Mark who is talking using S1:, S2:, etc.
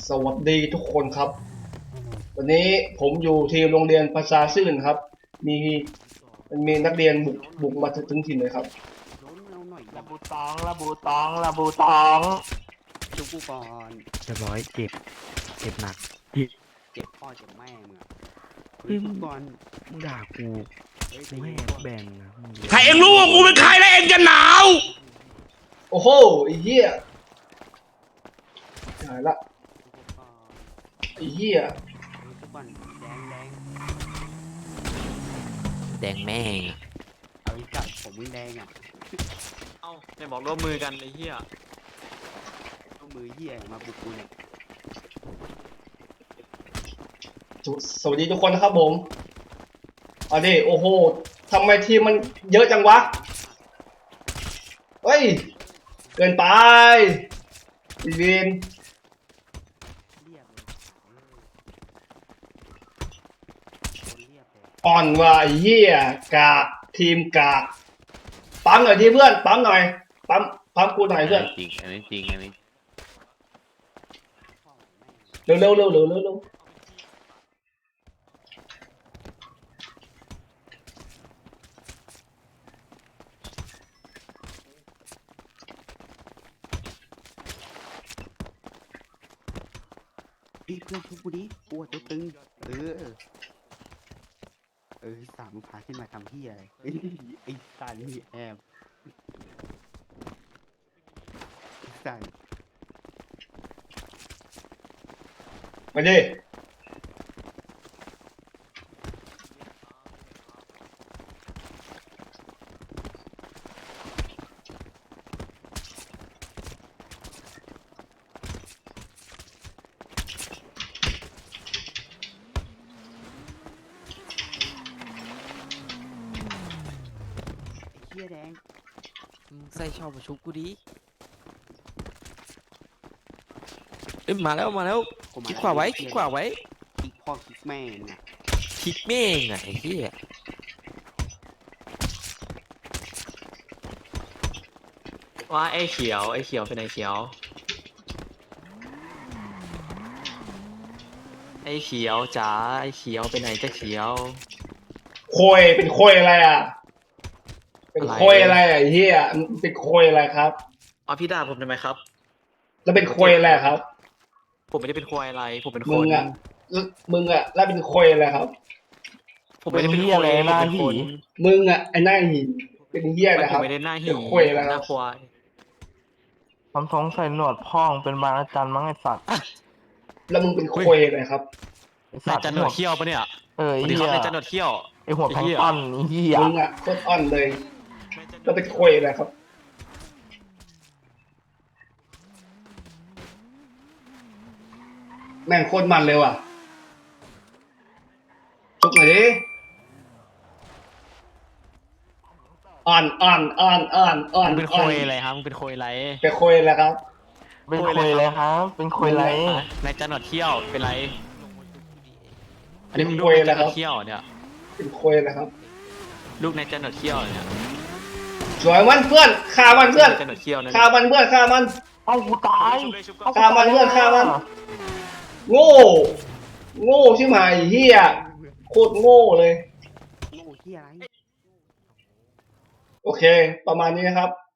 S1: สวัสดีทุกคนครับวันนี้ผมอยู่ที่โรงเรียนภาษาซื่นครับมีนักเรียนบุกมาถึงถิ่นเลยครับ
S2: ล้มเราหน่อย
S3: ระบูตองระบูตองระบูตอง
S2: จุกกูก่อน
S4: เรียบร้อยเจ็บหนัก
S2: เจ็บพ่อเจ็บแม่มึงอะ
S4: เฮ้ย
S2: จุกก่อน
S4: มึงด่ากู
S2: เฮ้ย
S4: กูให้แบนนะมึง
S5: ถ้าเองรู้ว่ากูเป็นใครแล้วเองจะหนาว
S1: โอ้โหไอ้เหี้ยหายละ
S2: จุกก่อน
S1: ไอ้เหี้ย
S2: จุกก่อนแดง
S4: แดงแม่ง
S2: เอาอีกจัดผมมึงแดงอ่ะ
S3: เอ้าไม่บอกร่วมมือกันไอ้เหี้ย
S2: เอามือเหี้ยมาบุกกูเนี่ย
S1: สวัสดีทุกคนนะครับผมเอาดิโอ้โหทำไมทีมมันเยอะจังวะเฮ้ยเกินไปอีเวน
S2: เรียบเลยคนเรียบเลย
S1: อ่อนว่ะไอ้เหี้ยกากทีมกากปั๊มหน่อยดิเพื่อนปั๊มหน่อยปั๊มกูหน่อยเพื่อน
S5: จริงอันนี้จริงอันนี้
S2: พ่อแม่
S1: เร็ว
S2: อีเพื่อนชุบกูดิกูอะตัวตึงสามมึงพาขึ้นมาทำเหี้ยอะไรไอ้สันนี่แอบไอ้สัน
S1: มาดิ
S2: ไอ้เหี้ยแดง
S4: มึงใส่ชอบมาชุบกูดิเอ้ยมาแล้วคลิกขวาไว้
S2: คลิกพ่อคลิกแม่มึงอะ
S4: คลิกแม่งอ่ะไอ้เหี้ย
S3: ว่าไอ้เขียวเป็นไอ้เขียวไอ้เขียวจ๋าไอ้เขียวเป็นไหนจะเขียว
S1: โคยเป็นโคยอะไรอ่ะเป็นโคยอะไรอ่ะไอ้เหี้ยมันเป็นโคยอะไรครับ
S3: อ๋อพี่ด่าผมทำไมครับ
S1: แล้วเป็นโคยอะไรครับ
S3: ผมไม่ได้เป็นควายอะไรผมเป็นค
S1: มึ
S3: น
S1: งอ่ะแล้วเป็นโคยอะไรครับ
S3: ผมไม่ได้เป็นควายผมเป็นคน
S1: มึงอ่ะไอ้หน้าหินเป็นเหี้ยนะ
S3: ผ
S1: ครั
S3: ม
S1: บ
S3: ไม่ได้หน้าหิ
S1: เป็นโคยอะไร
S3: ห
S1: ครั
S3: น้า
S1: บ
S3: ควาย
S6: ผมสงสัยหนวดพ่องเป็นบางอาจารย์มั้งไอสัตว์
S1: แล้วมึงเป็นโคยอะไรครับ
S6: ไอ
S3: นา
S6: สั
S3: ย
S6: ตว์
S3: จันหนวดเขี้ยวปะเนี่ย
S6: เออ
S3: ส
S6: ไอ
S3: วัสดี
S6: เหี้
S3: ครับ
S6: ย
S3: นายจันหนวดเขี้ยว
S6: ไอหัวแพลงก์ต้นไอเหี้ย
S1: มึงอ่ะโคตรอ่อนเลยแล้วเป็นโคยอะไรครับแม่งโคตรมันเลยว่ะจุกหน่อยดิอ่อน
S3: มึงเป็นควายอะไรครับมึงเป็นควายอะไร
S1: เป็นโคยอะไรครับ
S6: เป็นคุยเลยครับ เป็นคุยไร
S3: นายจันหนวดเขี้ยวเป็นไรอันนี้มึง
S1: เป็น
S3: ลู
S1: โค
S3: ก
S1: ย
S3: นาย
S1: อะไร
S3: จันหน
S1: คว รั
S3: ด
S1: บ
S3: เขี้ยวเนี่ย
S1: เป็นโคยอะไรครับ
S3: ลูกนายจันหนวดเขี้ยวเนี่ย
S1: สวยมันเพื่อนฆ่ามันเพื่อน
S3: จันหนวดเขี้ยวนั่น
S1: ฆ่ามันเพื่อนฆ่ามัน
S6: เอ้ากูตาย
S1: ฆ่ามันเพื่อนฆ่ามัน โง่ชิบหายเฮียโคตรโง่เลย
S2: โง่เหี้ยอะไร
S1: โอเค ประมาณนี้นะครับ